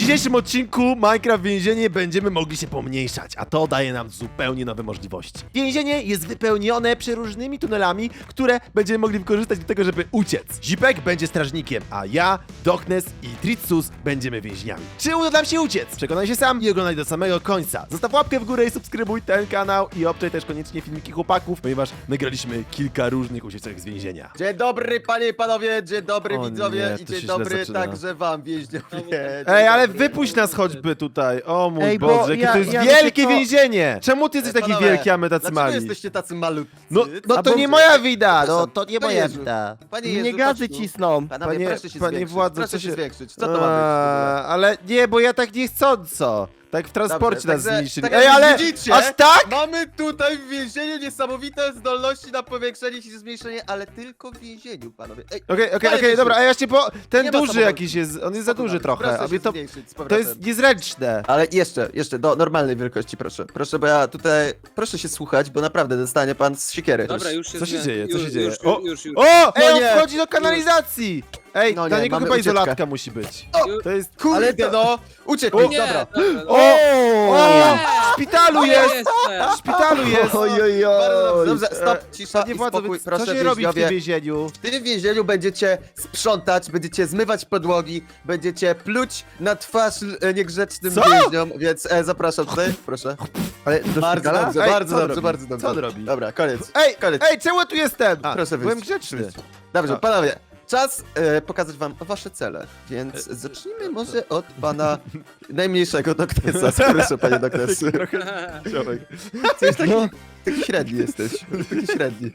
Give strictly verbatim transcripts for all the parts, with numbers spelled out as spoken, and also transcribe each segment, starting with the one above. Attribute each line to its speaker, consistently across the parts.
Speaker 1: dzisiejszym odcinku Minecraft Więzienie będziemy mogli się pomniejszać, a to daje nam zupełnie nowe możliwości. Więzienie jest wypełnione przeróżnymi tunelami, które będziemy mogli wykorzystać do tego, żeby uciec. Zipek będzie strażnikiem, a ja, Doknes i Tritsus będziemy więźniami. Czy uda nam się uciec? Przekonaj się sam i oglądaj do samego końca. Zostaw łapkę w górę i subskrybuj ten kanał i obczaj też koniecznie filmiki chłopaków, ponieważ nagraliśmy kilka różnych ucieczek z więzienia.
Speaker 2: Dzień dobry panie i panowie, dzień dobry
Speaker 1: O
Speaker 2: widzowie
Speaker 1: nie,
Speaker 2: i
Speaker 1: to
Speaker 2: dzień
Speaker 1: się źle
Speaker 2: dobry
Speaker 1: zaczyna.
Speaker 2: także wam więźniowie.
Speaker 1: Ej, ale wypuść nas choćby tutaj. O mój
Speaker 3: Ej, bo
Speaker 1: Boże, jakie
Speaker 3: ja-
Speaker 1: to jest
Speaker 3: ja
Speaker 1: wielkie
Speaker 3: wiecie co-
Speaker 1: więzienie! Czemu ty jesteś taki
Speaker 2: Panowie,
Speaker 1: wielki, a my tacy
Speaker 2: Dlaczego
Speaker 1: mali?
Speaker 2: jesteście tacy malutcy?
Speaker 1: No, no
Speaker 3: A
Speaker 1: to
Speaker 3: bo-
Speaker 1: nie moja wina, no to nie
Speaker 2: Panie
Speaker 1: moja
Speaker 2: Jezu.
Speaker 1: wina.
Speaker 2: Panie
Speaker 3: Mnie
Speaker 2: Jezu,
Speaker 3: gazy
Speaker 2: chodź tu.
Speaker 3: cisną.
Speaker 2: Panowie,
Speaker 1: Panie-
Speaker 2: proszę się
Speaker 1: panie
Speaker 2: zwiększyć,
Speaker 1: władzo,
Speaker 2: proszę
Speaker 1: co
Speaker 2: się
Speaker 1: się-
Speaker 2: zwiększyć. Co to ma być w ogóle?
Speaker 1: Eee, ale nie, bo ja tak niechcąco. Tak w transporcie
Speaker 2: Dobrze,
Speaker 1: nas
Speaker 2: także-
Speaker 1: zniszczyli.
Speaker 2: tak
Speaker 1: Ej,
Speaker 2: jak
Speaker 1: ale
Speaker 2: widzicie,
Speaker 1: aż tak?
Speaker 2: Mamy tutaj w więzieniu niesamowite zdolności na powiększenie się i zmniejszenie, ale tylko w więzieniu, panowie. Ej,
Speaker 1: Okej, okej,
Speaker 2: Panie
Speaker 1: okej,
Speaker 2: Jezu.
Speaker 1: dobra, a ja jeszcze po... Ten
Speaker 2: Nie ma
Speaker 1: duży
Speaker 2: samochodu.
Speaker 1: jakiś jest, on jest za duży trochę,
Speaker 2: Proszę
Speaker 1: a
Speaker 2: się
Speaker 1: mnie to...
Speaker 2: zmniejszyć z
Speaker 1: To
Speaker 2: powrotem.
Speaker 1: jest niezręczne.
Speaker 2: Ale jeszcze, jeszcze, do normalnej wielkości, proszę. Proszę, bo ja tutaj, proszę się słuchać, bo naprawdę dostanie pan z siekiery.
Speaker 4: Dobra, już się
Speaker 1: Co się
Speaker 4: zmienia-
Speaker 1: dzieje, co
Speaker 4: już,
Speaker 1: się dzieje?
Speaker 4: Już,
Speaker 1: O!
Speaker 4: już, już, już.
Speaker 1: O! Ej, on
Speaker 2: nie.
Speaker 1: wchodzi do kanalizacji! Ej,
Speaker 2: No
Speaker 1: dla
Speaker 2: nie,
Speaker 1: niego
Speaker 2: mamy
Speaker 1: chyba
Speaker 2: ucieczkę.
Speaker 1: izolatka musi być.
Speaker 4: Już.
Speaker 1: To jest...
Speaker 2: Kurde,
Speaker 3: Ale to-
Speaker 2: no! Uciekł,
Speaker 1: O,
Speaker 2: mi,
Speaker 4: Nie,
Speaker 2: dobra.
Speaker 4: dobra.
Speaker 1: O! O!
Speaker 4: Nie.
Speaker 1: W szpitalu
Speaker 4: O,
Speaker 1: jest!
Speaker 4: jestem.
Speaker 1: W szpitalu jest!
Speaker 3: Oj, oj,
Speaker 2: Bardzo
Speaker 3: oj.
Speaker 2: dobrze, dobrze, stop,
Speaker 1: E,
Speaker 2: cisza
Speaker 1: Panie
Speaker 2: i
Speaker 1: władzo,
Speaker 2: spokój,
Speaker 1: co
Speaker 2: proszę
Speaker 1: się robi w tym
Speaker 2: więźniowie.
Speaker 1: więzieniu?
Speaker 2: W tym więzieniu będziecie sprzątać, będziecie zmywać podłogi, będziecie pluć na twarz e, niegrzecznym
Speaker 1: Co?
Speaker 2: więźniom, więc e, zapraszam tutaj, proszę.
Speaker 3: Ale do
Speaker 2: Bardzo
Speaker 3: szpitala?
Speaker 2: dobrze,
Speaker 1: Ej,
Speaker 2: bardzo
Speaker 1: co on
Speaker 2: dobrze,
Speaker 1: robi?
Speaker 2: bardzo dobrze.
Speaker 1: Co on robi?
Speaker 2: Dobra, koniec.
Speaker 1: Ej,
Speaker 2: Koniec.
Speaker 1: ej, czemu ja tu jestem? A,
Speaker 2: Proszę
Speaker 1: byłem
Speaker 2: wyjść.
Speaker 1: grzeczny.
Speaker 2: Dobrze,
Speaker 1: A.
Speaker 2: panowie, czas e, pokazać wam wasze cele, więc zacznijmy może od pana najmniejszego doktesa. Proszę, panie doktes.
Speaker 1: Ziomek.
Speaker 2: Coś taki,
Speaker 3: No.
Speaker 2: taki średni jesteś, taki średni.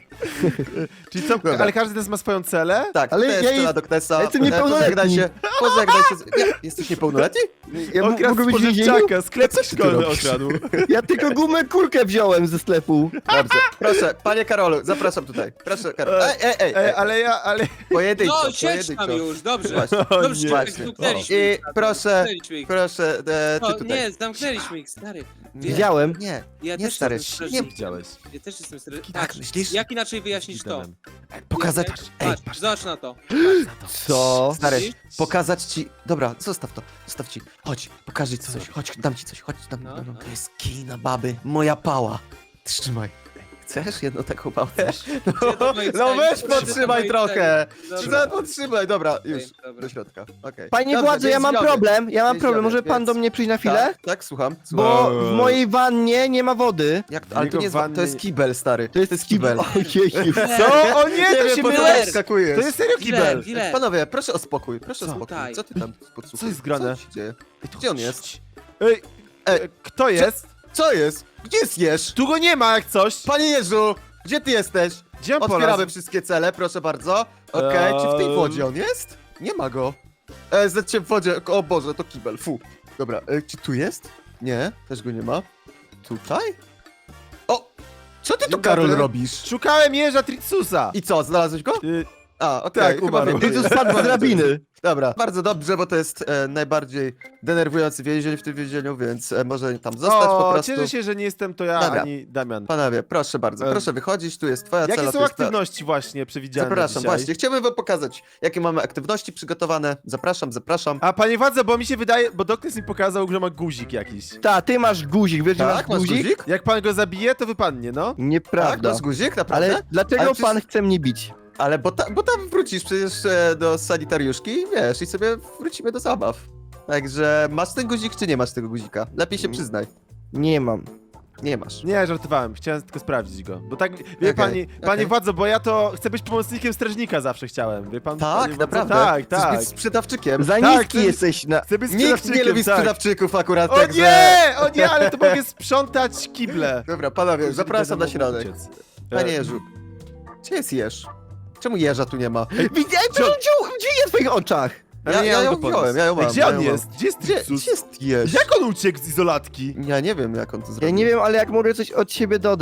Speaker 1: Czyli co,
Speaker 2: Dobra.
Speaker 1: ale każdy z nas ma swoją celę?
Speaker 2: Tak,
Speaker 3: Ale
Speaker 2: to jest
Speaker 3: ja
Speaker 2: cela
Speaker 3: jest-
Speaker 2: doktesa.
Speaker 3: ja jestem
Speaker 2: E,
Speaker 3: niepełnoletni.
Speaker 2: Pożegnaj się, pożegnaj się. z- Nie, jesteś niepełnoletni?
Speaker 3: Ja
Speaker 1: On
Speaker 3: m-
Speaker 1: kradł
Speaker 3: mogę być w więzieniu?
Speaker 1: spożywczaka, sklep
Speaker 2: Co ty tu
Speaker 1: szkolny
Speaker 2: robisz?
Speaker 1: okradł.
Speaker 3: Ja tylko gumę kulkę wziąłem ze sklepu.
Speaker 2: Dobrze, proszę, panie Karolu, zapraszam tutaj. Proszę, Karol. Ej, ej, ej,
Speaker 1: Ej,
Speaker 2: ej.
Speaker 1: ale ja, ale...
Speaker 2: Pojedynczo,
Speaker 4: No, siedź tam
Speaker 2: pojedynczo.
Speaker 4: już, dobrze.
Speaker 2: Właśnie.
Speaker 1: O
Speaker 4: Dobrze,
Speaker 1: nie.
Speaker 2: Właśnie.
Speaker 4: zamknęliśmy
Speaker 2: I
Speaker 4: ich.
Speaker 2: proszę,
Speaker 4: Zamknęliśmy ich.
Speaker 2: proszę, e, ty
Speaker 4: No,
Speaker 2: tutaj.
Speaker 4: nie, zamknęliśmy ich, stary.
Speaker 3: Widziałem.
Speaker 2: Nie,
Speaker 4: Ja
Speaker 2: nie
Speaker 4: też
Speaker 2: stary,
Speaker 4: jestem
Speaker 2: nie
Speaker 4: strażnikiem.
Speaker 1: widziałeś.
Speaker 4: Ja też jestem strażnikiem.
Speaker 2: Tak, myślisz?
Speaker 4: Jak inaczej wyjaśnisz to?
Speaker 2: pokazać,
Speaker 4: Patrz,
Speaker 2: ej,
Speaker 4: patrz, patrz, zobacz na to.
Speaker 3: Co?
Speaker 2: stary,
Speaker 4: Widzisz?
Speaker 2: pokazać ci, dobra, zostaw to, zostaw ci, chodź, pokażę ci coś, chodź, dam ci coś, chodź, dam,
Speaker 4: No,
Speaker 2: dam,
Speaker 4: no.
Speaker 2: to jest kij na baby, moja pała, trzymaj. Chcesz jedną taką pałę?
Speaker 4: do mojej
Speaker 2: No
Speaker 4: celi,
Speaker 2: weź
Speaker 4: do mojej
Speaker 2: podtrzymaj trochę.
Speaker 4: Dobra.
Speaker 2: No, podtrzymaj, dobra, już,
Speaker 4: dobra.
Speaker 2: do środka, okej.
Speaker 3: Panie
Speaker 2: Dobrze,
Speaker 3: władzo, ja mam
Speaker 2: więźniowie.
Speaker 3: problem. Ja mam
Speaker 2: Więźniowie,
Speaker 3: problem. Może pan
Speaker 2: więc-
Speaker 3: do mnie przyjść na chwilę?
Speaker 2: Tak, tak, słucham, słucham.
Speaker 3: Bo w mojej wannie nie ma wody.
Speaker 2: Jak to? Ale to
Speaker 1: Jego
Speaker 2: nie jest, wa-
Speaker 1: wanny-
Speaker 2: to jest kibel, stary.
Speaker 3: To jest
Speaker 2: kibel.
Speaker 3: Ojej.
Speaker 1: Co? O nie, to
Speaker 2: wiem,
Speaker 1: się
Speaker 2: po co
Speaker 1: mylisz!
Speaker 2: tak skakujesz.
Speaker 1: To jest serio
Speaker 4: Kibel,
Speaker 1: kibel!
Speaker 4: kibel.
Speaker 2: Panowie, proszę o spokój, proszę
Speaker 1: Co?
Speaker 2: o spokój.
Speaker 4: Tutaj.
Speaker 2: Co ty tam podsłuchujesz?
Speaker 1: Co jest grane?
Speaker 2: Co się dzieje? Gdzie on jest?
Speaker 1: Ej,
Speaker 2: Ej,
Speaker 1: e, kto jest?
Speaker 2: Co jest? Gdzie jest Jerz?
Speaker 1: Tu go nie ma jak coś!
Speaker 2: Panie Jerzu, gdzie ty jesteś?
Speaker 1: Gdzie on
Speaker 2: Otwieramy
Speaker 1: polazł?
Speaker 2: wszystkie cele, proszę bardzo. Okej, czy w tej
Speaker 1: Eee.
Speaker 2: wodzie on jest? Nie ma go. E, Zecie w wodzie, o Boże, to kibel, fu. Dobra, e, czy tu jest? Nie, też go nie ma. Tutaj? O! Co ty tu,
Speaker 1: Dzień
Speaker 2: Karol,
Speaker 1: dobry.
Speaker 2: robisz?
Speaker 1: Szukałem jeża Tritsusa!
Speaker 2: I co, znalazłeś go?
Speaker 1: Y,
Speaker 2: A, okej,
Speaker 1: Tak,
Speaker 2: chyba
Speaker 1: umarł.
Speaker 2: wiem.
Speaker 3: Ty tu spadł z drabiny.
Speaker 2: Dobra, bardzo dobrze, bo to jest e, najbardziej denerwujący więzień w tym więzieniu, więc e, może tam zostać po
Speaker 1: o,
Speaker 2: prostu.
Speaker 1: cieszę się, że nie jestem to ja,
Speaker 2: Dobra.
Speaker 1: ani Damian.
Speaker 2: Panowie, proszę bardzo,
Speaker 1: Em,
Speaker 2: proszę wychodzić, tu jest twoja
Speaker 1: Jakie
Speaker 2: cela.
Speaker 1: są
Speaker 2: tu jest ta-
Speaker 1: aktywności właśnie przewidziane na
Speaker 2: Zapraszam,
Speaker 1: dzisiaj?
Speaker 2: właśnie, chciałbym wam pokazać, jakie mamy aktywności przygotowane. Zapraszam, zapraszam.
Speaker 1: A panie władze, bo mi się wydaje, bo Doknes mi pokazał, że ma guzik jakiś.
Speaker 3: Ta, ty masz guzik, wiesz, że masz
Speaker 2: Tak, masz
Speaker 3: guzik?
Speaker 2: guzik?
Speaker 1: Jak pan go zabije, to wypadnie, no.
Speaker 2: Tak,
Speaker 3: Nieprawda.
Speaker 2: masz guzik, naprawdę?
Speaker 3: Ale dlaczego
Speaker 2: Ale przecież-
Speaker 3: pan chce mnie bić?
Speaker 2: Ale bo, ta, bo tam wrócisz przecież e, do sanitariuszki i wiesz, i sobie wrócimy do zabaw. Także masz ten guzik, czy nie masz tego guzika? Lepiej się przyznaj.
Speaker 3: Nie mam.
Speaker 2: Nie masz.
Speaker 1: Nie, żartowałem, chciałem tylko sprawdzić go. Bo tak, wie
Speaker 2: Okej,
Speaker 1: pani, panie
Speaker 2: okej.
Speaker 1: władzo, bo ja to chcę być pomocnikiem strażnika zawsze chciałem, wie pan?
Speaker 2: Tak,
Speaker 1: panie władzo?
Speaker 2: naprawdę?
Speaker 1: Tak,
Speaker 2: Chcesz
Speaker 1: tak.
Speaker 2: być sprzedawczykiem.
Speaker 3: Za
Speaker 1: Tak,
Speaker 3: niski
Speaker 1: ty-
Speaker 3: jesteś na...
Speaker 1: Chcę być
Speaker 2: Nikt nie
Speaker 1: sprzedawczykiem,
Speaker 2: lubi
Speaker 1: tak.
Speaker 2: sprzedawczyków akurat,
Speaker 1: O
Speaker 2: także...
Speaker 1: nie, o nie, ale to mogę sprzątać kible.
Speaker 2: Dobra, panowie,
Speaker 1: Jeżeli
Speaker 2: zapraszam
Speaker 1: będę
Speaker 2: na
Speaker 1: mógł
Speaker 2: środek.
Speaker 1: uciec.
Speaker 2: Panie
Speaker 1: E,
Speaker 2: Jerzu, gdzie jest Jerz? Czemu Jerza tu nie ma?
Speaker 3: Widziałem, co on wziął, gdzie jest w twoich oczach?
Speaker 1: ale
Speaker 2: Ja-
Speaker 1: nie
Speaker 2: ja
Speaker 1: mam
Speaker 2: ją
Speaker 1: go podnieść.
Speaker 2: wziąłem, ja ją
Speaker 1: Ej,
Speaker 2: mam,
Speaker 1: Gdzie
Speaker 2: ja
Speaker 1: on
Speaker 2: ją
Speaker 1: jest?
Speaker 2: mam.
Speaker 1: Gdzie jest
Speaker 2: Gdzie,
Speaker 1: Trixus?
Speaker 2: gdzie jest Jerz?
Speaker 1: Jak on uciekł z izolatki?
Speaker 2: Ja nie wiem, jak on to zrobił.
Speaker 3: Ja nie wiem, ale jak mogę coś od siebie dodać...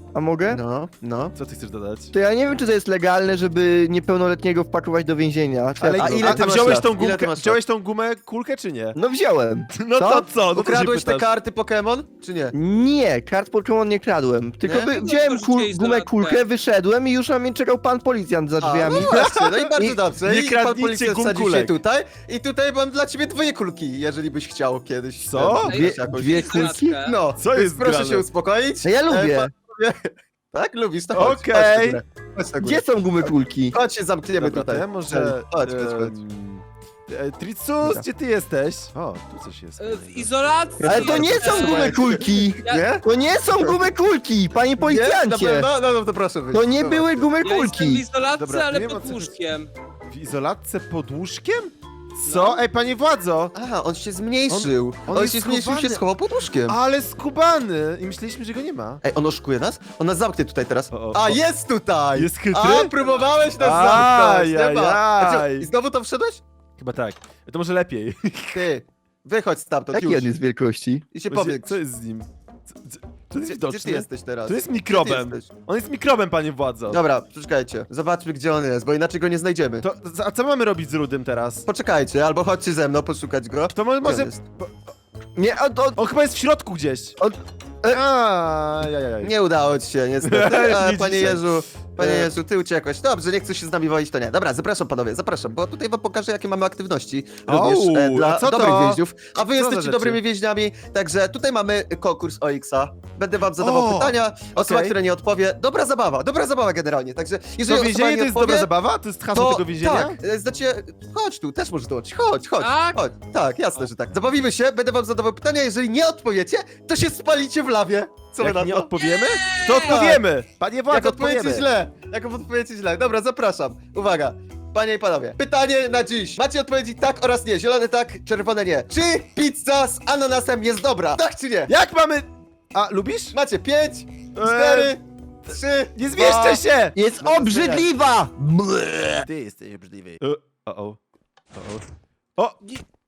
Speaker 3: A mogę?
Speaker 2: No, no.
Speaker 1: Co ty chcesz dodać?
Speaker 3: To ja nie wiem, czy to jest legalne, żeby niepełnoletniego wpakować do więzienia. Co
Speaker 1: Ale
Speaker 3: ja
Speaker 2: a
Speaker 3: tu
Speaker 2: ile
Speaker 3: robię?
Speaker 2: ty
Speaker 1: a
Speaker 2: masz
Speaker 1: wziąłeś
Speaker 2: lat?
Speaker 1: tą
Speaker 2: Ile ty
Speaker 1: gumkę,
Speaker 2: masz
Speaker 1: wziąłeś tą gumę kulkę czy nie?
Speaker 3: No wziąłem.
Speaker 1: No
Speaker 3: Co?
Speaker 1: to co? No to się
Speaker 2: Ukradłeś te
Speaker 1: pytasz.
Speaker 2: karty Pokémon, czy nie?
Speaker 3: Nie, kart Pokémon nie kradłem. Tylko
Speaker 2: Nie?
Speaker 3: by,
Speaker 4: No
Speaker 3: wziąłem
Speaker 4: to
Speaker 3: kul,
Speaker 4: rzuciłeś
Speaker 3: gumę
Speaker 4: dodatkę.
Speaker 3: kulkę, wyszedłem i już na mnie czekał pan policjant za
Speaker 2: A,
Speaker 3: drzwiami.
Speaker 2: no właśnie, no i bardzo
Speaker 3: Nie-
Speaker 2: dobrze.
Speaker 1: nie
Speaker 2: I pan
Speaker 1: kradnijcie
Speaker 2: policjant
Speaker 1: gum
Speaker 2: wsadził się
Speaker 1: kulek.
Speaker 2: tutaj. I tutaj mam dla ciebie dwie kulki, jeżeli byś chciał kiedyś.
Speaker 1: Co?
Speaker 2: ten,
Speaker 3: Dwie,
Speaker 2: jakoś-
Speaker 3: dwie
Speaker 4: Zaraz,
Speaker 3: kulki?
Speaker 4: tak.
Speaker 2: No,
Speaker 1: Co
Speaker 2: więc
Speaker 1: jest
Speaker 2: proszę
Speaker 1: grane?
Speaker 2: się uspokoić.
Speaker 3: No ja
Speaker 2: E,
Speaker 3: lubię.
Speaker 2: panowie- tak, lubisz, to chodź,
Speaker 1: Okej.
Speaker 2: chodź na górę. Chodź na górę.
Speaker 3: Gdzie są gumy kulki?
Speaker 2: Chodź się zamkniemy
Speaker 1: Dobra, to
Speaker 2: tutaj.
Speaker 1: ja może...
Speaker 2: Chodź, chodź, chodź.
Speaker 1: em, e, Tricus, gdzie ty jesteś? O, tu coś jest.
Speaker 4: E, W izolacji!
Speaker 3: Ale to nie są gumy kulki!
Speaker 2: Nie?
Speaker 3: To nie są gumy kulki, panie
Speaker 2: Nie? Na
Speaker 3: policjancie!
Speaker 2: pewno? No, no to proszę wyjść.
Speaker 3: To nie
Speaker 2: Dobra.
Speaker 3: były gumy
Speaker 4: Ja jestem w
Speaker 3: kulki!
Speaker 4: izolacji,
Speaker 1: Dobra,
Speaker 4: ale
Speaker 1: nie ma
Speaker 4: pod
Speaker 1: co-
Speaker 4: łóżkiem.
Speaker 1: W izolatce pod łóżkiem? Co?
Speaker 4: No.
Speaker 1: Ej, panie władzo!
Speaker 2: Aha, on się zmniejszył. On,
Speaker 1: on jest
Speaker 2: się zmniejszył,
Speaker 1: schowany.
Speaker 2: się schował pod łóżkiem.
Speaker 1: Ale skubany! I myśleliśmy, że go nie ma.
Speaker 2: Ej, on oszukuje nas? On nas zamknie tutaj teraz.
Speaker 1: O, o,
Speaker 2: A,
Speaker 1: o.
Speaker 2: jest tutaj!
Speaker 1: Jest chytry?
Speaker 2: A, próbowałeś nas
Speaker 1: Aj,
Speaker 2: zamknąć, nie ma. A co,
Speaker 1: aj.
Speaker 2: I znowu tam wszedłeś?
Speaker 1: Chyba tak. To może lepiej.
Speaker 2: Ty, wychodź stamtąd,
Speaker 3: Jaki
Speaker 2: już.
Speaker 3: on jest wielkości?
Speaker 2: I się
Speaker 1: Właśnie,
Speaker 2: powiedz.
Speaker 1: Co jest z nim? Co, co, to jest
Speaker 2: Gdzie,
Speaker 1: widoczne.
Speaker 2: gdzie ty jesteś teraz?
Speaker 1: To jest
Speaker 2: Gdzie
Speaker 1: mikrobem.
Speaker 2: ty jesteś?
Speaker 1: On jest mikrobem, panie władzo.
Speaker 2: Dobra, poczekajcie. Zobaczmy, gdzie on jest, bo inaczej go nie znajdziemy.
Speaker 1: To, a co mamy robić z Rudym teraz?
Speaker 2: Poczekajcie, albo chodźcie ze mną poszukać go.
Speaker 1: To mo-
Speaker 2: Gdzie on
Speaker 1: może...
Speaker 2: jest?
Speaker 3: Nie, on, on,
Speaker 1: On chyba jest w środku gdzieś.
Speaker 3: On-
Speaker 1: A, jajajaj.
Speaker 2: Nie udało ci się, niestety. A,
Speaker 1: Nie
Speaker 2: panie
Speaker 1: dzisiaj.
Speaker 2: Jezu, panie
Speaker 1: E.
Speaker 2: Jezu, ty uciekłeś. Dobrze, nie chcesz się z nami wozić, to nie. Dobra, zapraszam panowie, zapraszam, bo tutaj wam pokażę, jakie mamy aktywności. Również
Speaker 1: Au,
Speaker 2: e, dla
Speaker 1: a co
Speaker 2: dobrych
Speaker 1: to?
Speaker 2: więźniów. A wy
Speaker 1: za
Speaker 2: jesteście
Speaker 1: rzeczy?
Speaker 2: dobrymi więźniami, także tutaj mamy konkurs O X-a. Będę wam zadawał
Speaker 1: O,
Speaker 2: pytania, osoba,
Speaker 1: okej.
Speaker 2: która nie odpowie. Dobra zabawa, dobra zabawa generalnie, także
Speaker 1: To
Speaker 2: jeżeli osoba
Speaker 1: więzienie
Speaker 2: nie
Speaker 1: to jest
Speaker 2: odpowie,
Speaker 1: dobra zabawa? To jest hasło
Speaker 2: to
Speaker 1: tego więzienia?
Speaker 2: tak, e, znaczy, chodź tu, też możesz dołączyć, chodź, chodź,
Speaker 4: Tak?
Speaker 2: chodź. Tak, jasne, że tak. Zabawimy się, będę wam zadawał pytania, jeżeli nie odpowiecie, to się spalicie w lawie. Co wy
Speaker 1: Jak
Speaker 2: na
Speaker 1: nie
Speaker 2: to?
Speaker 1: odpowiemy, to odpowiemy! Panie
Speaker 2: Jak
Speaker 1: władzo,
Speaker 2: odpowiecie
Speaker 1: odpowiemy!
Speaker 2: źle, jak odpowiecie źle. Dobra, zapraszam. Uwaga. Panie i panowie, pytanie na dziś. Macie odpowiedzi tak oraz nie. Zielone tak, czerwone nie. Czy pizza z ananasem jest dobra? Tak czy nie?
Speaker 1: Jak mamy... A, lubisz?
Speaker 2: Macie pięć, cztery, trzy,
Speaker 1: Nie zmieszczę się!
Speaker 3: jest
Speaker 2: No to
Speaker 3: obrzydliwa! Ble.
Speaker 1: Ty jesteś obrzydliwy. O, o, o. O!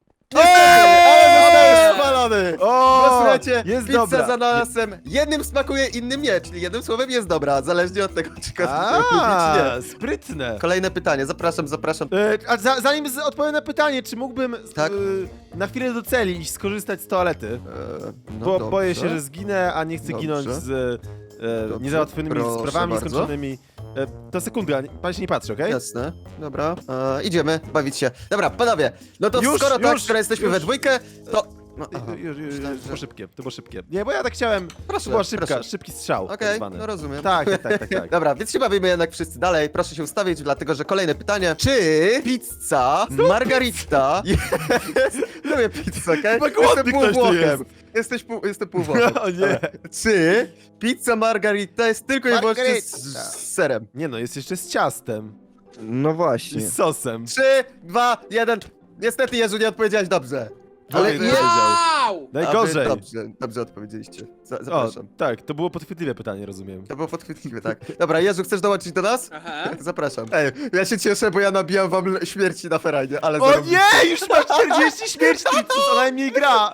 Speaker 2: Ale zostałeś spalony!
Speaker 1: O!
Speaker 2: No słuchajcie,
Speaker 1: jest
Speaker 2: pizza
Speaker 1: dobra.
Speaker 2: z ananasem jednym smakuje, innym nie, czyli jednym słowem jest dobra, zależnie od tego, czy ktoś lubi, czy
Speaker 1: A,
Speaker 2: nie.
Speaker 1: sprytne.
Speaker 2: Kolejne pytanie, zapraszam, zapraszam.
Speaker 1: E, a za, zanim z, odpowiem na pytanie, czy mógłbym
Speaker 2: Tak?
Speaker 1: e, na chwilę do celi iść skorzystać z toalety?
Speaker 2: Eee, no
Speaker 1: Bo
Speaker 2: dobrze.
Speaker 1: boję się, że zginę, a nie chcę
Speaker 2: Dobrze.
Speaker 1: ginąć z e,
Speaker 2: Dobrze.
Speaker 1: niezałatwionymi
Speaker 2: Proszę
Speaker 1: sprawami
Speaker 2: bardzo.
Speaker 1: skończonymi. E, to sekunda, nie- pan się nie patrzy, okej?
Speaker 2: Jasne, dobra, e, idziemy bawić się. Dobra, panowie, no to
Speaker 1: Już,
Speaker 2: skoro tak,
Speaker 1: już,
Speaker 2: skoro jesteśmy
Speaker 1: już.
Speaker 2: we dwójkę, to... No, aha.
Speaker 1: Już, już, już,
Speaker 2: Myślałem,
Speaker 1: to
Speaker 2: że-
Speaker 1: było szybkie, to było szybkie. Nie, bo ja tak chciałem,
Speaker 2: Proszę,
Speaker 1: to była szybka,
Speaker 2: proszę.
Speaker 1: szybki strzał tak
Speaker 2: Okej,
Speaker 1: zwany.
Speaker 2: no rozumiem.
Speaker 1: Tak, tak, tak, tak, tak.
Speaker 2: Dobra, więc się bawimy jednak wszyscy dalej. Proszę się ustawić, dlatego że kolejne pytanie. Czy pizza margarita jest... Lubię pizzę, okej?
Speaker 1: Chyba głodny
Speaker 2: Jestem
Speaker 1: ktoś tu
Speaker 2: półwłochem. Jesteś pół, jestem półwłochem.
Speaker 1: O nie.
Speaker 2: Czy pizza margarita jest tylko i wyłącznie z,
Speaker 1: Margarita.
Speaker 2: z serem?
Speaker 1: Nie no, jest jeszcze z ciastem
Speaker 3: No
Speaker 1: i
Speaker 3: właśnie.
Speaker 1: z sosem.
Speaker 2: Trzy, dwa, jeden. Niestety, Jezu, nie odpowiedziałeś dobrze.
Speaker 1: Ale
Speaker 2: Ale
Speaker 1: nie-
Speaker 2: nie...
Speaker 4: Wow!
Speaker 2: A wy
Speaker 1: Najgorzej.
Speaker 2: Dobrze, dobrze odpowiedzieliście. Za,
Speaker 1: O,
Speaker 2: zapraszam.
Speaker 1: tak, to było podchwytliwe pytanie, rozumiem.
Speaker 2: To było podchwytliwe, tak. Dobra, Jezu, chcesz dołączyć do nas?
Speaker 4: Aha.
Speaker 2: Zapraszam. Ej, ja się cieszę, bo ja nabijam wam l- śmierci na ferajnie, ale...
Speaker 1: O
Speaker 2: zarobiście.
Speaker 1: nie! Już masz czterdzieści śmierci, co najmniej gra!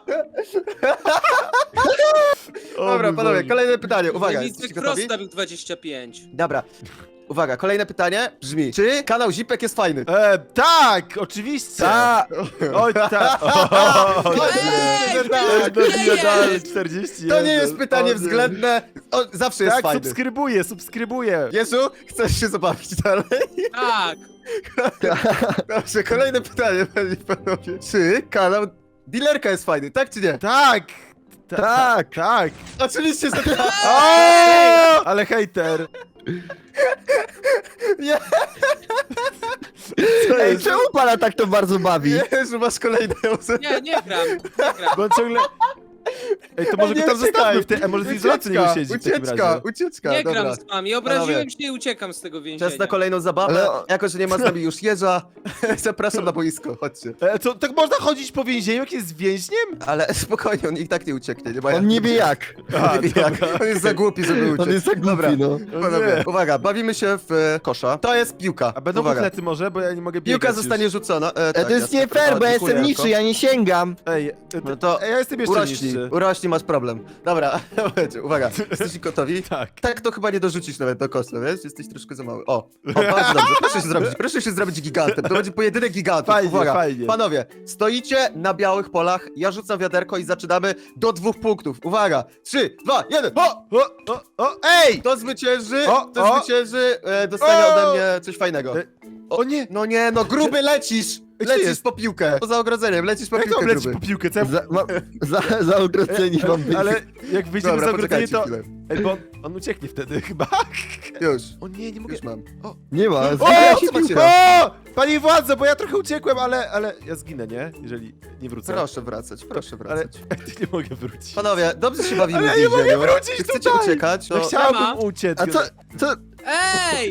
Speaker 1: O
Speaker 2: Dobra,
Speaker 1: mój
Speaker 2: panowie,
Speaker 1: Boże.
Speaker 2: kolejne pytanie. Uwaga,
Speaker 4: Nic
Speaker 2: jesteście
Speaker 4: Cross
Speaker 2: gotowi?
Speaker 4: stawił dwadzieścia pięć.
Speaker 2: Dobra. Uwaga, kolejne pytanie brzmi. Czy kanał Zipek jest fajny?
Speaker 1: E, tak, oczywiście!
Speaker 3: Ta,
Speaker 1: Oj, tak! O,
Speaker 4: Ej,
Speaker 2: że tak.
Speaker 1: no nie
Speaker 4: Ej!
Speaker 1: dalej, czterdzieści
Speaker 2: To nie
Speaker 1: jeden.
Speaker 2: jest pytanie
Speaker 1: O nie.
Speaker 2: względne. O, zawsze jest
Speaker 1: Tak,
Speaker 2: fajny.
Speaker 1: subskrybuję, subskrybuję.
Speaker 2: Jezu, chcesz się zabawić dalej?
Speaker 4: Tak.
Speaker 2: Dobrze, kolejne pytanie, panie i panowie. Czy kanał Dealerka jest fajny, tak czy nie?
Speaker 1: Tak! Ta-
Speaker 3: Tak.
Speaker 1: Tak!
Speaker 2: Oczywiście, że tak.
Speaker 1: O! Ale hejter!
Speaker 2: Nie,
Speaker 1: Co
Speaker 3: ej,
Speaker 1: jest?
Speaker 3: czemu pana tak to bardzo bawi?
Speaker 2: Jezu, masz kolejne osoby.
Speaker 4: Nie, nie gram. Nie gram.
Speaker 1: Bo on ciągle... Ej, to może
Speaker 2: Nie
Speaker 1: go tam
Speaker 2: uciekaj.
Speaker 1: zostawmy w tej... A może w izolacji nie siedzi w takim
Speaker 2: ucieczka,
Speaker 1: razie.
Speaker 2: ucieczka,
Speaker 4: Nie
Speaker 2: dobra.
Speaker 4: gram z wami. Obraziłem
Speaker 2: Panowie.
Speaker 4: się i uciekam z tego więzienia.
Speaker 2: Czas na kolejną zabawę.
Speaker 3: Ale-
Speaker 2: Jako, że nie ma z nami już jeża, zapraszam na boisko, chodźcie.
Speaker 1: E, co, tak można chodzić po więzieniu, jak jest więźniem?
Speaker 2: Ale spokojnie, on i tak nie ucieknie, nie ma jak.
Speaker 3: On nie wie jak.
Speaker 1: A,
Speaker 2: Nie wie jak. On jest za głupi, żeby uciec.
Speaker 3: On jest tak
Speaker 2: Dobra.
Speaker 3: głupi, no.
Speaker 2: Panowie,
Speaker 1: nie.
Speaker 2: uwaga, bawimy się w e, kosza. To jest piłka.
Speaker 1: A będą
Speaker 2: uwaga.
Speaker 1: buchlety może, bo ja nie mogę biegać
Speaker 2: Piłka
Speaker 1: już.
Speaker 2: zostanie rzucona. E,
Speaker 3: E,
Speaker 2: tak,
Speaker 3: to jest
Speaker 2: jasne,
Speaker 3: nie fair, bo
Speaker 2: dobra,
Speaker 3: ja
Speaker 2: dziękuję,
Speaker 3: jestem
Speaker 2: Janko.
Speaker 3: niższy, ja nie sięgam.
Speaker 1: Ej, e,
Speaker 2: No to
Speaker 1: Ej, ja jestem jeszcze
Speaker 2: urośnij.
Speaker 1: rzeczy.
Speaker 2: urośnij, masz problem. Dobra, będzie, uwaga, jesteście gotowi?
Speaker 1: Tak.
Speaker 2: Tak to chyba nie dorzucisz nawet do kosza, wiesz? Jesteś troszkę za mały. O, o bardzo dobrze, proszę się zrobić, proszę się zrobić gigantem, to będzie pojedynek gigantów.
Speaker 1: Fajnie,
Speaker 2: Uwaga,
Speaker 1: fajnie.
Speaker 2: panowie, stoicie na białych polach, ja rzucam wiaderko i zaczynamy do dwóch punktów. Uwaga, trzy, dwa, jeden, o!
Speaker 1: O, o, o, ej!
Speaker 2: Kto zwycięży,
Speaker 1: O,
Speaker 2: kto
Speaker 1: o!
Speaker 2: zwycięży, e, dostanie
Speaker 1: O!
Speaker 2: ode mnie coś fajnego.
Speaker 1: E, O nie!
Speaker 2: No nie, no gruby lecisz!
Speaker 1: Gdzie
Speaker 2: Lecisz
Speaker 1: jest?
Speaker 2: po piłkę. Poza ogrodzeniem, lecisz po
Speaker 1: Jak to
Speaker 2: piłkę,
Speaker 1: mam lecieć
Speaker 2: gruby.
Speaker 1: po piłkę? Co ja...
Speaker 3: Za, ma, za, za ogrodzenie mam być.
Speaker 1: Ale jak wyjdziemy
Speaker 2: Dobra,
Speaker 1: za ogrodzenie,
Speaker 2: poczekajcie
Speaker 1: to...
Speaker 2: chwilę.
Speaker 1: Ej, bo on, on ucieknie wtedy chyba.
Speaker 2: Już,
Speaker 1: O nie, nie mogę...
Speaker 2: już mam.
Speaker 3: Nie ma.
Speaker 1: O!
Speaker 3: Zbieraj się
Speaker 2: zobaczcie.
Speaker 3: piłką.
Speaker 1: O! Panie władzo, bo ja trochę uciekłem, ale, ale ja zginę, nie? Jeżeli nie wrócę.
Speaker 2: Proszę wracać, proszę
Speaker 1: Ale
Speaker 2: wracać.
Speaker 1: nie mogę wrócić.
Speaker 2: Panowie, dobrze się bawimy
Speaker 1: Ale ja
Speaker 2: w
Speaker 1: nie mogę
Speaker 2: więzieniu.
Speaker 1: wrócić
Speaker 2: Czy chcecie
Speaker 1: tutaj.
Speaker 2: uciekać?
Speaker 1: Ja
Speaker 2: To...
Speaker 1: chciałbym
Speaker 4: Siema.
Speaker 1: uciec.
Speaker 3: A co, co,
Speaker 4: Ej!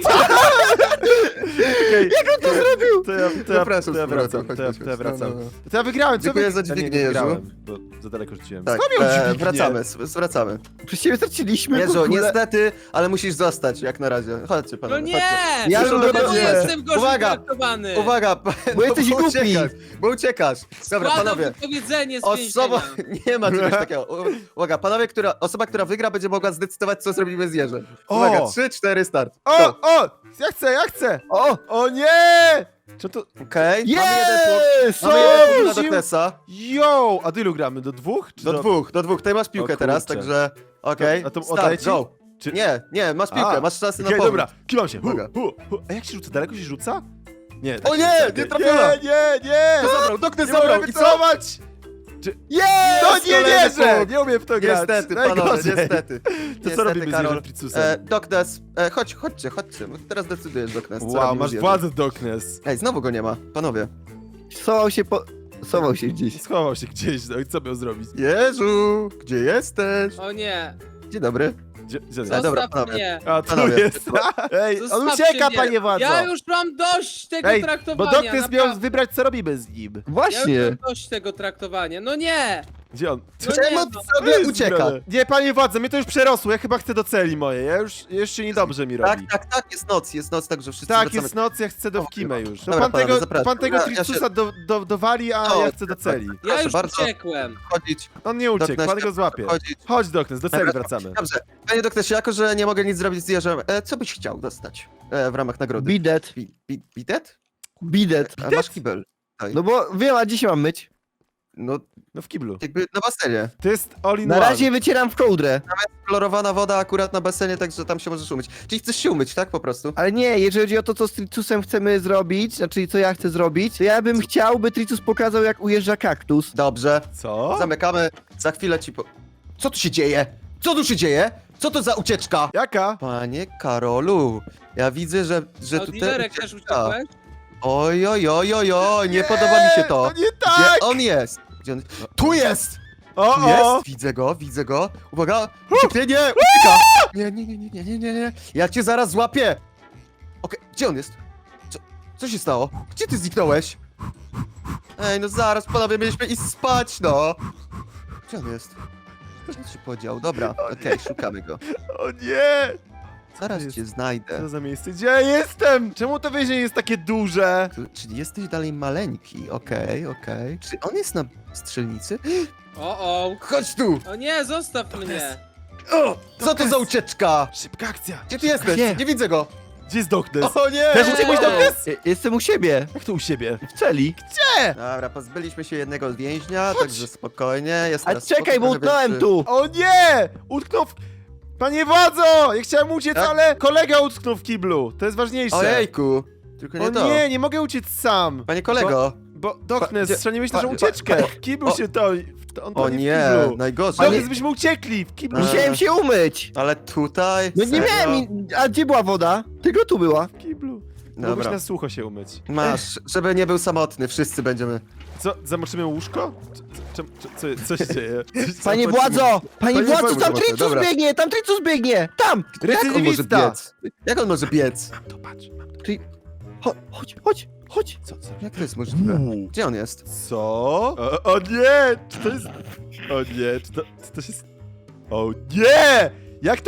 Speaker 1: Okay. Jak on to zrobił? To ja, to ja,
Speaker 2: Zapraszam
Speaker 1: to ja
Speaker 2: z powrotem,
Speaker 1: wracam, to ja,
Speaker 2: chodź,
Speaker 1: to ja
Speaker 2: chodź,
Speaker 1: wracam.
Speaker 2: no, no, no.
Speaker 1: To ja wygrałem, co
Speaker 2: Dziękuję
Speaker 1: wy...
Speaker 2: za
Speaker 1: A nie,
Speaker 2: dźwignię,
Speaker 1: nie
Speaker 2: Jezu.
Speaker 1: wygrałem, bo za daleko rzuciłem.
Speaker 2: Tak,
Speaker 1: Skąd miał
Speaker 2: e,
Speaker 1: dźwignię?
Speaker 2: wracamy, s- wracamy.
Speaker 3: Przez ciebie straciliśmy w
Speaker 2: Jezu,
Speaker 3: ogóle.
Speaker 2: niestety, ale musisz zostać, jak na razie. Chodźcie,
Speaker 4: No
Speaker 2: panowie,
Speaker 4: nie!
Speaker 2: chodźcie.
Speaker 3: Ja
Speaker 4: Czemu
Speaker 3: bym
Speaker 4: ja
Speaker 3: nie.
Speaker 4: jestem gorzej
Speaker 2: Uwaga,
Speaker 4: traktowany?
Speaker 2: Uwaga,
Speaker 3: Bo jesteś
Speaker 2: bo
Speaker 3: głupi.
Speaker 2: uciekasz, bo uciekasz. Dobra,
Speaker 4: Składam
Speaker 2: panowie.
Speaker 4: wypowiedzenie z
Speaker 2: Osoba,
Speaker 4: więzienia.
Speaker 2: nie ma czegoś takiego. U- Uwaga, panowie, która, osoba, która wygra, będzie mogła zdecydować, co zrobimy z Jerzem.
Speaker 1: O!
Speaker 2: Uwaga, trzy, cztery, start.
Speaker 1: O,
Speaker 2: Go.
Speaker 1: o! Ja chcę, ja chcę!
Speaker 3: O!
Speaker 1: O nie! Czy to...
Speaker 2: Okej, mamy jeden punkt.
Speaker 3: Jest!
Speaker 2: Mamy jeden punkt dla
Speaker 1: Wrócił?
Speaker 2: Doknesa.
Speaker 1: Yo! A do ilu gramy? Do dwóch? Czy
Speaker 2: Do dwóch, do dwóch. Ty masz piłkę
Speaker 1: O
Speaker 2: teraz,
Speaker 1: kurczę.
Speaker 2: także okej.
Speaker 1: A to oddaję
Speaker 2: Start,
Speaker 1: ci?
Speaker 2: go.
Speaker 1: Czy...
Speaker 2: Nie, nie, masz piłkę,
Speaker 1: A,
Speaker 2: masz szansę na
Speaker 1: Okej,
Speaker 2: powrót.
Speaker 1: dobra, kiwam się. Hu,
Speaker 2: Uwaga.
Speaker 1: hu, hu. A jak się rzuca? Daleko się rzuca? Nie.
Speaker 2: O
Speaker 1: tak się
Speaker 2: nie,
Speaker 1: rzuca.
Speaker 2: nie trafiona.
Speaker 1: Nie, nie, nie!
Speaker 2: Kto zabrał? Doknes
Speaker 1: Nie mogę
Speaker 2: zabrał i co?
Speaker 1: wycofać!
Speaker 3: Jest!
Speaker 1: No nie
Speaker 2: kolejny
Speaker 1: wierzę!
Speaker 2: punkt.
Speaker 1: Nie umiem w to grać.
Speaker 2: Niestety, panowie,
Speaker 1: Najgorzej.
Speaker 2: niestety.
Speaker 1: To
Speaker 2: Niestety,
Speaker 1: co robimy z
Speaker 2: Karol.
Speaker 1: Jerzym Fricusem?
Speaker 2: E, Doknes, e, chodź, chodźcie, chodźcie. bo Teraz decydujesz, Doknes. co
Speaker 1: Wow,
Speaker 2: robimy
Speaker 1: masz
Speaker 2: z Jerzem.
Speaker 1: władzę, Doknes.
Speaker 2: Ej, znowu go nie ma, panowie.
Speaker 3: Schował się po... Schował się gdzieś.
Speaker 1: Schował się gdzieś, no i co miał zrobić?
Speaker 2: Jezu, gdzie jesteś?
Speaker 4: O nie!
Speaker 2: Dzień dobry.
Speaker 1: Gdzie, gdzie
Speaker 2: E,
Speaker 4: Zostaw
Speaker 2: dobra, panowie.
Speaker 4: mnie!
Speaker 1: A tu
Speaker 2: Panowie.
Speaker 1: jest. Ej, on
Speaker 4: Zostawcie
Speaker 1: ucieka,
Speaker 4: mnie.
Speaker 1: panie władzo.
Speaker 4: Ja już mam dość tego
Speaker 1: Ej, bo
Speaker 4: traktowania!
Speaker 1: Doknes miał
Speaker 4: naprawdę.
Speaker 1: wybrać, co robimy z nim.
Speaker 4: Ja już
Speaker 3: Właśnie.
Speaker 4: mam dość tego traktowania. No nie!
Speaker 1: Gdzie on?
Speaker 4: No
Speaker 2: Czemu
Speaker 4: nie,
Speaker 2: ty
Speaker 4: no.
Speaker 2: sobie
Speaker 1: jest
Speaker 2: ucieka?
Speaker 1: zgrane. Nie, panie władze, mnie to już przerosło, ja chyba chcę do celi mojej, ja już, jeszcze niedobrze mi
Speaker 2: Tak,
Speaker 1: robi.
Speaker 2: tak, tak, jest noc, jest noc, także wszyscy
Speaker 1: Tak,
Speaker 2: wracamy.
Speaker 1: jest noc, ja chcę do
Speaker 2: O,
Speaker 1: Wkimę już. No
Speaker 2: Dobra,
Speaker 1: pan
Speaker 2: panowie,
Speaker 1: tego,
Speaker 2: zapraszam.
Speaker 1: pan tego
Speaker 2: Ja- ja się-
Speaker 1: Tricusa do, do, dowali, a
Speaker 2: O,
Speaker 1: ja chcę do celi.
Speaker 4: Ja
Speaker 2: Proszę
Speaker 4: już
Speaker 2: bardzo.
Speaker 4: uciekłem.
Speaker 2: Chodzić,
Speaker 1: On nie uciekł,
Speaker 2: Doknesie,
Speaker 1: pan go złapie.
Speaker 2: chodzić.
Speaker 1: Chodź, Doknes, do celi
Speaker 2: Dobra,
Speaker 1: wracamy.
Speaker 2: Dobrze. Panie Doknesie, jako że nie mogę nic zrobić z Jerzem, e, co byś chciał dostać e, w ramach nagrody?
Speaker 3: Bidet.
Speaker 2: Bi, bi, bidet?
Speaker 3: Bidet.
Speaker 2: A masz kibel.
Speaker 3: No bo wiem, a dzisiaj mam myć.
Speaker 2: No,
Speaker 1: No w kiblu.
Speaker 2: jakby na basenie.
Speaker 1: To jest all in
Speaker 3: Na
Speaker 1: one.
Speaker 3: razie wycieram w kołdrę.
Speaker 2: Kolorowana woda akurat na basenie, także tam się możesz umyć. Czyli chcesz się umyć, tak po prostu?
Speaker 3: Ale nie, jeżeli chodzi o to, co z Tricusem chcemy zrobić, znaczy co ja chcę zrobić, to ja bym chciał, by Tricus pokazał, jak ujeżdża kaktus.
Speaker 2: Dobrze.
Speaker 1: Co?
Speaker 2: Zamykamy. Za chwilę ci po... Co tu się dzieje? Co tu się dzieje? Co to za ucieczka?
Speaker 1: Jaka?
Speaker 2: Panie Karolu, ja widzę, że, że tutaj...
Speaker 4: Oliverek też uciekłeś?
Speaker 2: Oj, oj, oj, oj, oj, nie podoba mi się to.
Speaker 1: To nie
Speaker 2: Gdzie
Speaker 1: tak!
Speaker 2: on jest? Gdzie on... Tu jest!
Speaker 1: O,
Speaker 2: Tu
Speaker 1: o!
Speaker 2: jest! Widzę go, widzę go. Uwaga! Ucieknie, ucieka! Nie, nie, nie, nie, nie, nie, nie, nie. Ja cię zaraz złapię! Okej, gdzie on jest? Co, co się stało? Gdzie ty zniknąłeś? Ej, no zaraz, panowie, mieliśmy iść spać, no! Gdzie on jest? Gdzie on się podział? Dobra, okej, szukamy go.
Speaker 1: O nie!
Speaker 2: Zaraz
Speaker 1: jest?
Speaker 2: cię znajdę.
Speaker 1: Co za miejsce? Gdzie ja jestem? Czemu to więzienie jest takie duże?
Speaker 2: Tu, czyli jesteś dalej maleńki, okej, okej. Czy on jest na strzelnicy?
Speaker 4: O, o.
Speaker 2: Chodź tu!
Speaker 4: O nie, zostaw mnie.
Speaker 2: O, co to za ucieczka?
Speaker 1: Szybka akcja!
Speaker 2: Gdzie ty jesteś?
Speaker 3: Gdzie?
Speaker 2: Nie widzę go!
Speaker 1: Gdzie jest Doknes?
Speaker 2: O nie!
Speaker 1: Też uciekłeś, Doknes?
Speaker 3: Je- Jestem u siebie,
Speaker 1: Jak to u siebie?
Speaker 3: w celi.
Speaker 2: Dobra, pozbyliśmy się jednego więźnia,
Speaker 1: Chodź.
Speaker 2: także spokojnie. Jest
Speaker 3: A
Speaker 2: teraz
Speaker 3: czekaj, bo
Speaker 2: spokój, trochę
Speaker 3: utknąłem
Speaker 2: większy.
Speaker 3: tu.
Speaker 1: O nie! Utknął w... Panie władzo! Ja chciałem uciec,
Speaker 2: Tak?
Speaker 1: ale kolega utknął w kiblu. To jest ważniejsze.
Speaker 2: Ojejku! Tylko nie
Speaker 1: O
Speaker 2: to.
Speaker 1: nie, nie mogę uciec sam.
Speaker 2: Panie kolego!
Speaker 1: Bo Doknes,
Speaker 2: gdzie-
Speaker 1: strzeliłeś
Speaker 2: pa-
Speaker 1: naszą
Speaker 2: pa-
Speaker 1: ucieczkę.
Speaker 2: pa-
Speaker 1: W kiblu
Speaker 2: o-
Speaker 1: się to... On
Speaker 2: O
Speaker 1: to
Speaker 2: nie,
Speaker 1: w kiblu.
Speaker 2: najgorzej.
Speaker 1: Doknes, byśmy uciekli. W kiblu.
Speaker 2: A.
Speaker 3: Musiałem się umyć.
Speaker 2: Ale tutaj?
Speaker 3: No nie
Speaker 2: Serio?
Speaker 3: miałem, in- a gdzie była woda? Tylko tu była.
Speaker 1: W kiblu. Mogłeś
Speaker 2: Dobra.
Speaker 1: na sucho się umyć.
Speaker 2: Masz, żeby nie był samotny, wszyscy będziemy.
Speaker 1: Co, zamoczymy łóżko? Co, co, co, co się dzieje?
Speaker 3: Panie
Speaker 2: Zapłacimy.
Speaker 3: władzo! Panie
Speaker 2: Panie
Speaker 3: władzo,
Speaker 2: władzo,
Speaker 3: tam
Speaker 2: dobra.
Speaker 3: Tricus biegnie, tam Tricus biegnie! Tam!
Speaker 2: Jak on może
Speaker 1: Recydywista.
Speaker 2: biec? Jak on może biec?
Speaker 1: Mam to, patrz. Mam to.
Speaker 3: Cho- Chodź, chodź, chodź.
Speaker 1: Co, co?
Speaker 2: Jak to jest możliwe?
Speaker 1: Uuu.
Speaker 2: Gdzie on jest?
Speaker 1: Co? O, o nie! Czy to jest... O nie, czy to, czy to się... O nie! Jak to...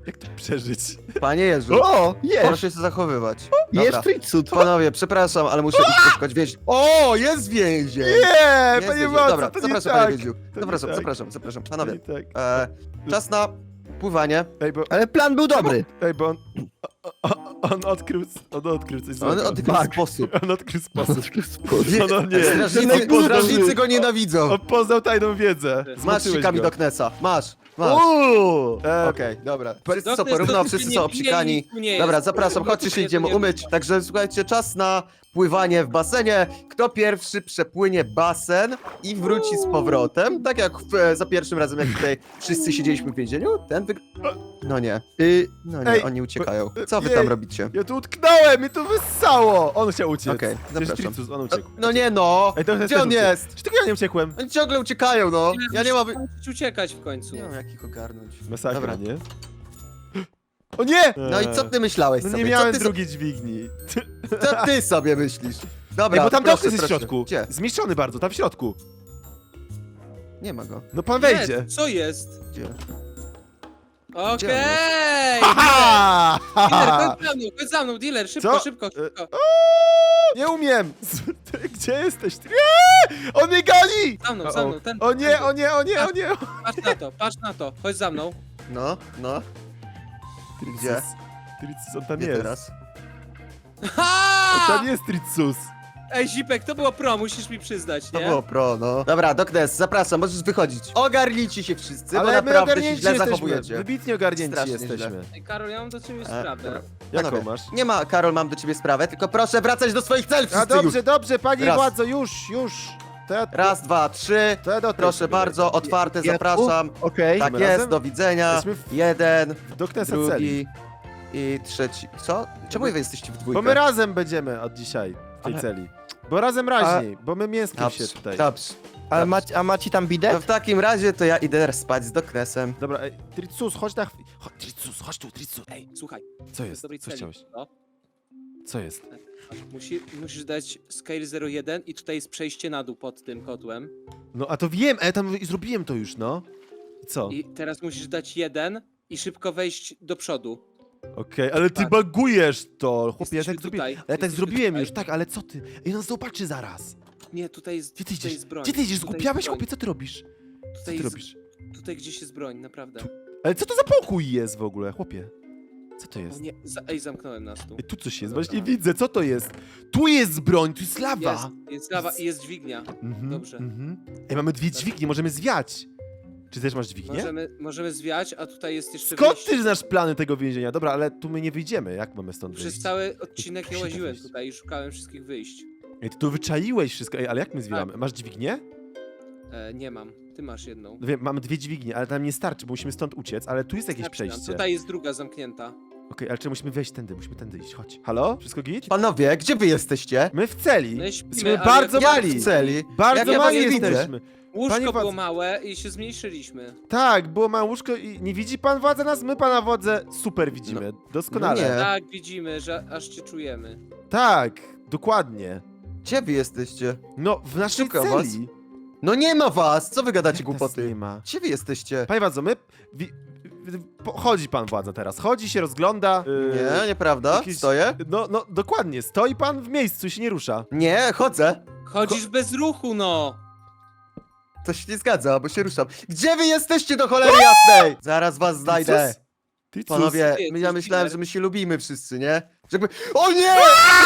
Speaker 1: Jak to przeżyć?
Speaker 2: Panie Jezu,
Speaker 3: O, jest!
Speaker 2: proszę się zachowywać.
Speaker 3: Jest
Speaker 2: Dobra.
Speaker 3: Tricud.
Speaker 2: Panowie, przepraszam, ale muszę iść poszukać więź. O, jest więzień!
Speaker 1: Nie,
Speaker 2: Jest
Speaker 1: panie
Speaker 2: więzień.
Speaker 1: Władco,
Speaker 2: Dobra,
Speaker 1: to nie
Speaker 2: zapraszam,
Speaker 1: tak.
Speaker 2: panie Wiedziu.
Speaker 1: To nie
Speaker 2: Zapraszam,
Speaker 1: tak.
Speaker 2: zapraszam, zapraszam.
Speaker 1: To
Speaker 2: Panowie,
Speaker 1: nie tak.
Speaker 2: e, czas na pływanie.
Speaker 1: Ej, bo,
Speaker 3: Ale plan był dobry.
Speaker 1: ej, bo on, o, o, on odkrył, on odkrył coś
Speaker 2: On
Speaker 1: złego.
Speaker 2: odkrył
Speaker 3: Tak.
Speaker 2: sposób.
Speaker 1: On odkrył sposób.
Speaker 2: Nie,
Speaker 1: No, no nie.
Speaker 2: Strażnicy,
Speaker 1: On poznał-
Speaker 2: strażnicy go nienawidzą.
Speaker 1: On poznał tajną wiedzę.
Speaker 2: Masz
Speaker 1: Zmoczyłeś
Speaker 2: sikami
Speaker 1: go.
Speaker 2: do Knesa. Masz, masz.
Speaker 1: Uuu! E,
Speaker 2: Okej, dobra. Wszyscy są
Speaker 4: Doknes,
Speaker 2: porówno,
Speaker 4: to
Speaker 2: wszyscy
Speaker 4: nie
Speaker 2: są
Speaker 4: bije,
Speaker 2: obsikani.
Speaker 4: nic tu nie
Speaker 2: Dobra,
Speaker 4: jest.
Speaker 2: zapraszam, chodźcie się idziemy
Speaker 4: Nie
Speaker 2: umyć. Także słuchajcie, czas na pływanie w basenie. Kto pierwszy przepłynie basen i wróci z powrotem, tak jak w, e, za pierwszym razem, jak tutaj wszyscy siedzieliśmy w więzieniu, ten wyg... No nie,
Speaker 3: Y,
Speaker 2: no nie,
Speaker 1: Ej,
Speaker 2: oni uciekają.
Speaker 1: bo-
Speaker 2: Co wy
Speaker 1: jej.
Speaker 2: tam robicie?
Speaker 1: Ja tu utknąłem i to wyssało! On chciał uciec.
Speaker 2: Okej,
Speaker 1: Przecież
Speaker 2: zapraszam.
Speaker 1: Tricus, on
Speaker 2: No,
Speaker 1: uciekł.
Speaker 2: no nie no!
Speaker 1: Ej, to jest
Speaker 2: Gdzie on
Speaker 1: ten uciekł.
Speaker 2: jest?
Speaker 1: Czy tylko ja nie uciekłem?
Speaker 2: Oni ciągle uciekają, no! Ja nie mam...
Speaker 4: Musisz uciekać w końcu.
Speaker 2: Nie mam jak ich ogarnąć.
Speaker 1: Masakra,
Speaker 2: Dobra.
Speaker 1: nie? O nie!
Speaker 2: No i co ty myślałeś
Speaker 1: No
Speaker 2: sobie?
Speaker 1: nie miałem
Speaker 2: co, ty
Speaker 1: drugiej dźwigni.
Speaker 2: so... co ty sobie myślisz? Dobra,
Speaker 1: Ej, bo tam
Speaker 2: proszę,
Speaker 1: Doknes jest w
Speaker 2: proszę.
Speaker 1: środku.
Speaker 2: Gdzie?
Speaker 1: Zmieszczony bardzo, tam w środku.
Speaker 2: Nie ma go.
Speaker 1: No pan wejdzie.
Speaker 4: Jest, co jest?
Speaker 2: Gdzie?
Speaker 4: Okej!
Speaker 1: Ha!
Speaker 4: Dealer,
Speaker 1: ha!
Speaker 4: chodź za mną, chodź za mną, dealer, szybko,
Speaker 1: Co?
Speaker 4: szybko, szybko.
Speaker 1: Nie umiem! Ty, gdzie jesteś? Ty- Nie! On mnie goni!
Speaker 4: Za mną, za mną, ten.
Speaker 1: O nie, o nie, o nie, o nie!
Speaker 4: Patrz na to, patrz na to, chodź za mną.
Speaker 2: No, no. Gdzie?
Speaker 1: Tricus, on tam
Speaker 2: Gdzie
Speaker 1: jest.
Speaker 2: teraz?
Speaker 1: On
Speaker 4: Ha!
Speaker 1: tam jest, Tricus.
Speaker 4: Ej, Zipek, to było pro, musisz mi przyznać,
Speaker 2: To
Speaker 4: nie?
Speaker 2: było pro, no. Dobra, Doknes, zapraszam, możesz wychodzić. Ogarnijcie się wszyscy, bo
Speaker 1: Ale my
Speaker 2: naprawdę się
Speaker 1: ogarnięci
Speaker 2: źle
Speaker 1: jesteśmy.
Speaker 2: zachowujecie.
Speaker 1: Wybitnie ogarnięci
Speaker 2: Strasznie
Speaker 1: jesteśmy.
Speaker 4: Ej, Karol, ja mam do ciebie
Speaker 2: E,
Speaker 4: sprawę.
Speaker 2: dobra.
Speaker 1: Jaką
Speaker 2: Panowie,
Speaker 1: masz?
Speaker 2: Nie ma, Karol, mam do ciebie sprawę, tylko proszę wracać do swoich celów
Speaker 1: A
Speaker 2: wszyscy
Speaker 1: dobrze,
Speaker 2: już.
Speaker 1: dobrze, panie
Speaker 2: Raz.
Speaker 1: władzo, już, już. To ja,
Speaker 2: Raz, dwa, trzy.
Speaker 1: to ja do tej
Speaker 2: Proszę
Speaker 1: sobie.
Speaker 2: bardzo, otwarte,
Speaker 3: Ja-
Speaker 2: zapraszam.
Speaker 3: Okej.
Speaker 2: Tak
Speaker 1: My
Speaker 2: jest,
Speaker 1: razem?
Speaker 2: do widzenia.
Speaker 1: Jesteśmy w-
Speaker 2: Jeden,
Speaker 1: Do Knesa celi.
Speaker 2: drugi i trzeci. Co? Czemu wy jesteście w dwójkę?
Speaker 1: Bo my razem będziemy od dzisiaj w tej
Speaker 2: Ale-
Speaker 1: celi. Bo razem raźniej, bo my mięskiem się
Speaker 2: Dobrze,
Speaker 1: tutaj.
Speaker 2: dobrze.
Speaker 3: A, ma, a macie tam
Speaker 2: To
Speaker 3: bidet?
Speaker 2: w takim razie to ja idę spać z Doknesem.
Speaker 1: Dobra, ej, Tricus, chodź na chwilę. Chodź, Tricus, chodź tu, Tricus.
Speaker 4: Ej, słuchaj,
Speaker 1: Co jest?
Speaker 4: dobrej
Speaker 1: Co
Speaker 4: celi.
Speaker 1: chciałeś?
Speaker 4: No.
Speaker 1: Co jest?
Speaker 4: Musi, musisz dać scale zero jeden i tutaj jest przejście na dół pod tym kotłem.
Speaker 1: No a to wiem, a ja tam zrobiłem to już, no. I co?
Speaker 4: I teraz musisz dać jeden i szybko wejść do przodu.
Speaker 1: Okej, ale ty
Speaker 4: Tak.
Speaker 1: bagujesz to, chłopie, ja
Speaker 4: Jesteśmy
Speaker 1: tak zrobiłem.
Speaker 4: tutaj,
Speaker 1: Ale ja tak
Speaker 4: jesteśmy
Speaker 1: zrobiłem
Speaker 4: tutaj.
Speaker 1: już, tak, ale co ty? Ej, nas zobaczy zaraz.
Speaker 4: Nie, tutaj jest,
Speaker 1: Gdzie ty
Speaker 4: tutaj
Speaker 1: idziesz?
Speaker 4: jest broń.
Speaker 1: Gdzie ty idziesz?
Speaker 4: Tutaj
Speaker 1: Zgubiałeś,
Speaker 4: jest broń.
Speaker 1: chłopie, co ty robisz? Co
Speaker 4: Tutaj
Speaker 1: ty
Speaker 4: jest,
Speaker 1: robisz?
Speaker 4: tutaj gdzieś jest broń, naprawdę.
Speaker 1: Ale co to za pokój jest w ogóle, chłopie? Co to
Speaker 4: O
Speaker 1: jest?
Speaker 4: nie, za, ej, zamknąłem nas tu.
Speaker 1: Ej, tu coś jest, właśnie widzę, co to jest? Tu jest broń, tu jest lawa.
Speaker 4: Jest, jest lawa i jest dźwignia.
Speaker 1: Mhm,
Speaker 4: Dobrze.
Speaker 1: Mhm. Ej, mamy dwie dźwignie, możemy zwiać. Czy też masz dźwignię?
Speaker 4: Możemy, możemy zwiać, a tutaj jest jeszcze
Speaker 1: Skąd
Speaker 4: wyjście.
Speaker 1: ty znasz plany tego więzienia? Dobra, ale tu my nie wyjdziemy, jak mamy stąd
Speaker 4: Przez
Speaker 1: wyjść?
Speaker 4: cały odcinek
Speaker 1: Tu
Speaker 4: ja
Speaker 1: się da
Speaker 4: łaziłem
Speaker 1: wyjść.
Speaker 4: tutaj i szukałem wszystkich wyjść.
Speaker 1: Ej, ty tu wyczaiłeś wszystko, ej, ale jak my zwiewamy? Masz dźwignię?
Speaker 4: E, nie mam, ty masz jedną.
Speaker 1: No wiem, mamy dwie dźwignie, ale tam nie starczy, bo musimy stąd uciec, ale tu jest jakieś
Speaker 4: Starczy nam.
Speaker 1: przejście.
Speaker 4: Tutaj jest druga zamknięta.
Speaker 1: Okej, ale czy musimy wejść tędy, musimy tędy iść, chodź. Halo? Wszystko git?
Speaker 2: Panowie, gdzie wy jesteście?
Speaker 1: My w celi.
Speaker 4: No i śpimy,
Speaker 1: Jesteśmy
Speaker 4: ale
Speaker 1: bardzo
Speaker 4: jak-
Speaker 1: mali.
Speaker 2: w celi.
Speaker 1: Bardzo
Speaker 2: Jak ja was
Speaker 1: mali
Speaker 2: nie widzę.
Speaker 1: jesteśmy.
Speaker 4: Łóżko
Speaker 1: Panie
Speaker 4: było
Speaker 1: władz-
Speaker 4: małe i się zmniejszyliśmy.
Speaker 1: Tak, było małe łóżko i nie widzi pan władza nas? My pana władzę super widzimy, doskonale.
Speaker 2: no nie.
Speaker 4: Tak, widzimy, że aż cię czujemy.
Speaker 1: Tak, dokładnie.
Speaker 2: Gdzie wy jesteście?
Speaker 1: No, w naszej
Speaker 2: Szukam
Speaker 1: celi.
Speaker 2: No nie ma was! Co wy gadacie
Speaker 1: Jak nas
Speaker 2: głupoty?
Speaker 1: nie ma.
Speaker 2: Gdzie wy jesteście?
Speaker 1: Panie władzo, my... Wi, wi, po- chodzi pan władza teraz, chodzi się, rozgląda. yy,
Speaker 2: Nie, nieprawda?
Speaker 1: jakieś-
Speaker 2: Stoję?
Speaker 1: No, no, dokładnie, stoi pan w miejscu i się nie rusza.
Speaker 2: Nie, chodzę.
Speaker 4: Chodzisz bez ruchu, no!
Speaker 2: To się nie zgadza, bo się ruszam. Gdzie wy jesteście do cholery jasnej? Zaraz was znajdę.
Speaker 1: Ty cóż?
Speaker 2: Panowie,
Speaker 4: Ty,
Speaker 2: my-
Speaker 4: ty
Speaker 2: ja
Speaker 4: jest
Speaker 2: myślałem,
Speaker 4: dealer.
Speaker 2: że my się lubimy wszyscy, nie? Jakby... O nie!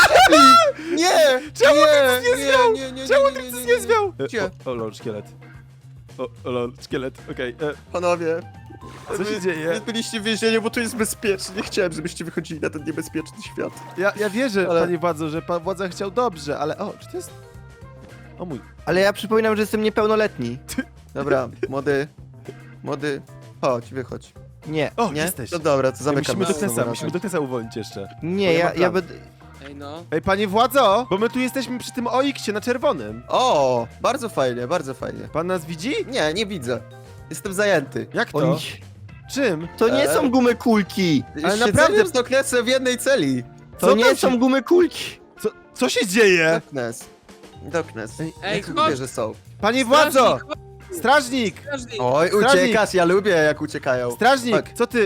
Speaker 2: Nie!
Speaker 1: Czemu
Speaker 2: nie,
Speaker 1: nie zwiał?
Speaker 2: Nie, nie, nie,
Speaker 1: Czemu
Speaker 2: nie,
Speaker 1: ty
Speaker 2: nie,
Speaker 1: nic
Speaker 2: nie,
Speaker 1: nie
Speaker 2: nie.
Speaker 1: zwiał?
Speaker 2: Gdzie?
Speaker 1: E, O, o lol, szkielet. O, o lol, szkielet, okej. e,
Speaker 2: Panowie,
Speaker 1: Co się
Speaker 2: wy-
Speaker 1: dzieje?
Speaker 2: Wy byliście w więzieniu, bo tu jest bezpiecznie. Nie chciałem, żebyście wychodzili na ten niebezpieczny świat.
Speaker 1: Ja, ja wierzę,
Speaker 2: Ale-
Speaker 1: panie władzo, że pan władza chciał dobrze, ale o, czy to jest... O mój...
Speaker 3: Ale ja przypominam, że jestem niepełnoletni.
Speaker 2: Dobra, młody, młody, chodź, wychodź.
Speaker 3: Nie,
Speaker 1: O,
Speaker 2: Nie?
Speaker 1: jesteś.
Speaker 2: No dobra, to
Speaker 1: Ej,
Speaker 2: zamykam
Speaker 1: musimy do
Speaker 2: nas
Speaker 1: Knesa,
Speaker 2: znowu
Speaker 1: musimy
Speaker 2: razem.
Speaker 1: do Knesa uwolnić jeszcze.
Speaker 3: nie,
Speaker 1: Bo nie
Speaker 3: ja,
Speaker 1: ma
Speaker 3: ja
Speaker 1: planu.
Speaker 3: będę...
Speaker 4: Ej, no.
Speaker 1: Ej, panie władzo, bo my tu jesteśmy przy tym O X-ie na czerwonym.
Speaker 2: O, bardzo fajnie, bardzo fajnie.
Speaker 1: Pan nas widzi?
Speaker 2: Nie, nie widzę. Jestem zajęty.
Speaker 1: Jak to?
Speaker 3: Oni...
Speaker 1: Czym?
Speaker 3: To nie
Speaker 2: E?
Speaker 3: są gumy kulki!
Speaker 1: Ale
Speaker 2: Ale
Speaker 1: naprawdę-
Speaker 2: naprawdę z Doknesem w jednej celi.
Speaker 3: To
Speaker 1: Co
Speaker 3: nie
Speaker 1: tam
Speaker 3: są
Speaker 1: się-
Speaker 3: gumy kulki!
Speaker 1: Co, co się dzieje?
Speaker 2: Doknes. Doknes.
Speaker 1: Ej,
Speaker 4: Ej,
Speaker 2: Jak
Speaker 4: chodź!
Speaker 2: lubię, że są.
Speaker 1: Panie władzo!
Speaker 4: Strażnik, chodź,
Speaker 1: Strażnik!
Speaker 4: strażnik!
Speaker 2: Oj,
Speaker 1: Strażnik.
Speaker 2: uciekasz, ja lubię jak uciekają.
Speaker 1: Strażnik,
Speaker 2: Tak.
Speaker 1: co ty?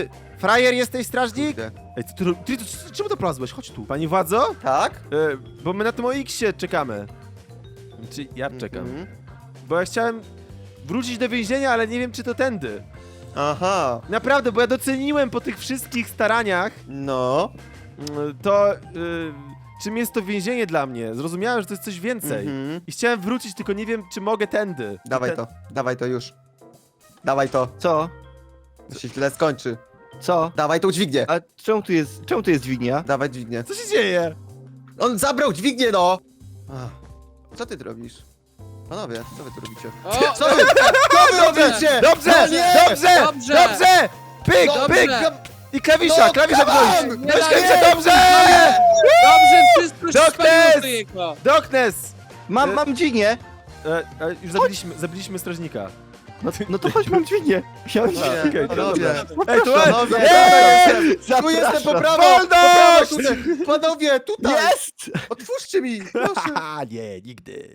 Speaker 1: Frajer jesteś, strażnik?
Speaker 2: Kurde.
Speaker 1: Ej, ty, ty, ty, ty, czemu to plazłeś? Chodź tu. Pani władzo?
Speaker 2: Tak?
Speaker 1: E, bo my na tym O X-ie czekamy. Czy ja czekam.
Speaker 2: Mhm.
Speaker 1: Bo ja chciałem wrócić do więzienia, ale nie wiem, czy to tędy.
Speaker 2: Aha,
Speaker 1: Naprawdę, bo ja doceniłem po tych wszystkich staraniach
Speaker 2: no.
Speaker 1: mm, to, y, czym jest to więzienie dla mnie. Zrozumiałem, że to jest coś więcej.
Speaker 2: Mhm.
Speaker 1: I chciałem wrócić, tylko nie wiem, czy mogę tędy.
Speaker 2: Dawaj
Speaker 1: Ten-
Speaker 2: to, dawaj to już. Dawaj to,
Speaker 3: Co?
Speaker 2: to się źle skończy.
Speaker 3: Co?
Speaker 2: Dawaj tą dźwignię.
Speaker 3: A czemu tu jest, czemu tu jest dźwignia?
Speaker 2: Dawaj dźwignię.
Speaker 1: Co się dzieje?
Speaker 2: On zabrał dźwignię, no! Ach, co ty tu robisz? Panowie, co wy tu robicie?
Speaker 4: O,
Speaker 2: Co wy, co wy robicie?
Speaker 1: Dobrze!
Speaker 2: No nie!
Speaker 1: Dobrze!
Speaker 4: Dobrze!
Speaker 1: Dobrze! Pyk,
Speaker 2: Dobrze!
Speaker 1: pyk! I klawisza,
Speaker 2: No,
Speaker 1: klawisza
Speaker 2: come on!
Speaker 1: wziąć!
Speaker 4: Nie
Speaker 1: Weź
Speaker 4: da-
Speaker 1: klawisza,
Speaker 4: nie!
Speaker 1: dobrze!
Speaker 4: Dobrze, wszystko się
Speaker 1: Doknes!
Speaker 4: spaliło do jego.
Speaker 1: Doknes!
Speaker 3: Mam, mam dźwignię!
Speaker 1: E, e, już zabiliśmy, zabiliśmy strażnika.
Speaker 3: No, no to chodź, mam dźwignię. Ja mam
Speaker 2: Panowie,
Speaker 3: dźwignię.
Speaker 2: panowie,
Speaker 1: Ej, tu
Speaker 2: panowie,
Speaker 1: Ej!
Speaker 2: tu jestem po prawo!
Speaker 1: Wolność!
Speaker 2: Po prawo, tutaj. Panowie, tutaj!
Speaker 3: Jest!
Speaker 2: Otwórzcie mi, proszę!
Speaker 1: Haha, nie, nigdy.